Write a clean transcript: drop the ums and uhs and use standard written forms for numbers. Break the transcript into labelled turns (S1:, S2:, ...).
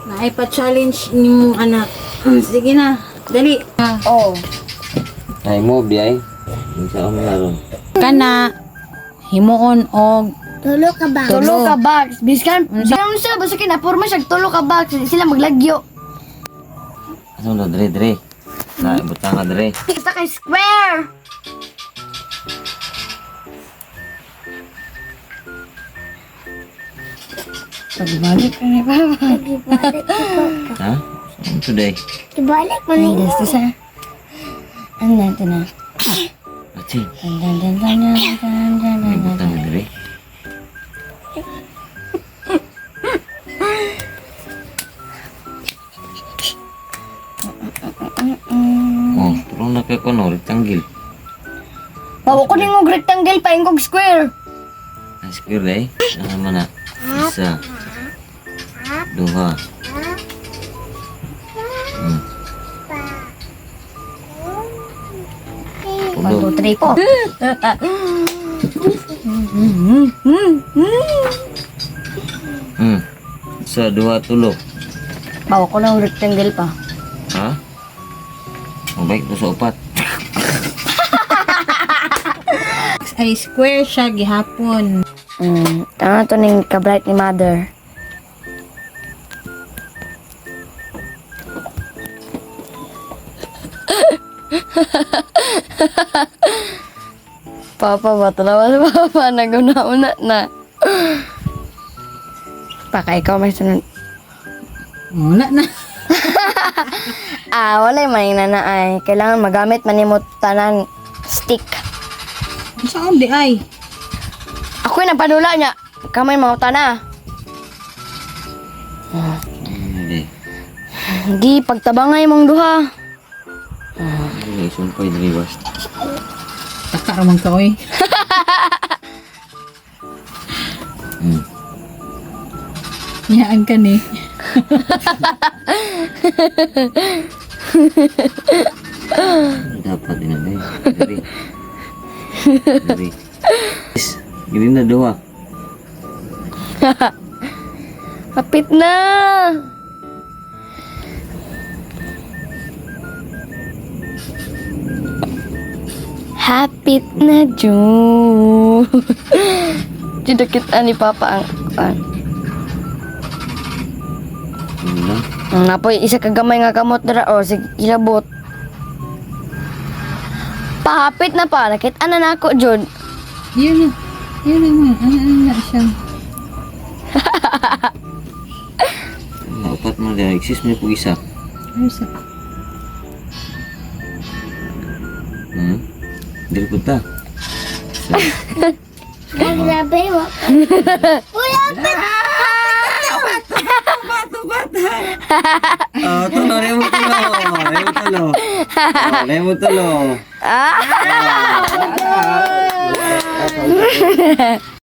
S1: Naipa-challenge ni mong anak. Sige na, dali.
S2: Oh.
S3: Ay mo biyay. Unsa ang laron?
S1: Kana, himuon og
S2: Tulo ka box. Biskan sila basta kinapurma siya tulo ka box. Sila maglagyo.
S3: Ano na dre? Na butang ka dre.
S2: Isa kay square. Pagbalik ka ni Papa.
S3: Ha? Saan today?
S2: Ibalik mo ni. Ay, gusto sa. Andan to na.
S3: Ati.
S2: Andan.
S3: May butang ka dre. Oh, turong na kay kono rectangle.
S2: Bawa ko ning og rectangle pa ingog square.
S3: Ang square day. Ano man na? Isa. Duha. Pulo.
S2: 1, 2, 3 po.
S3: Isa, duha, tulo.
S2: Bawa ko ng rectangle pa.
S3: Ha? Mabalik to sa upat.
S1: ay square siya gihapon.
S2: Tama to ning ka-bright ni mother. Papa, batalawa si Papa. Naguna-una na. Paka, ikaw may sunod.
S1: Wala na.
S2: Wala yung na ay. Kailangan magamit manimot tanan stick.
S1: Saan di ay?
S2: Ako yung napadula niya. Kamay mauta na.
S3: Hindi.
S2: Hindi, pagtabangay mong duha.
S3: Hindi, sumpay dre was.
S1: Taka ramang ka oy. Yaan ka ni.
S3: Dapat din na dre. Dre. Gini na duha.
S2: Kapit na. Hapit na, June. Didakit ni Papa ang
S3: Ano?
S2: napoy isa ka gamay nga kamot dira o sige ilabot. Pahapit na pa, nakita na ako, Jud.
S1: Yun na. Yun na. Ano na siya.
S3: Upat mo dre. Exist mo po isa.
S1: Ano sa?
S3: Dili po ta.
S2: Grabe mo.
S3: Tulo, remo tulo. Remo tulo.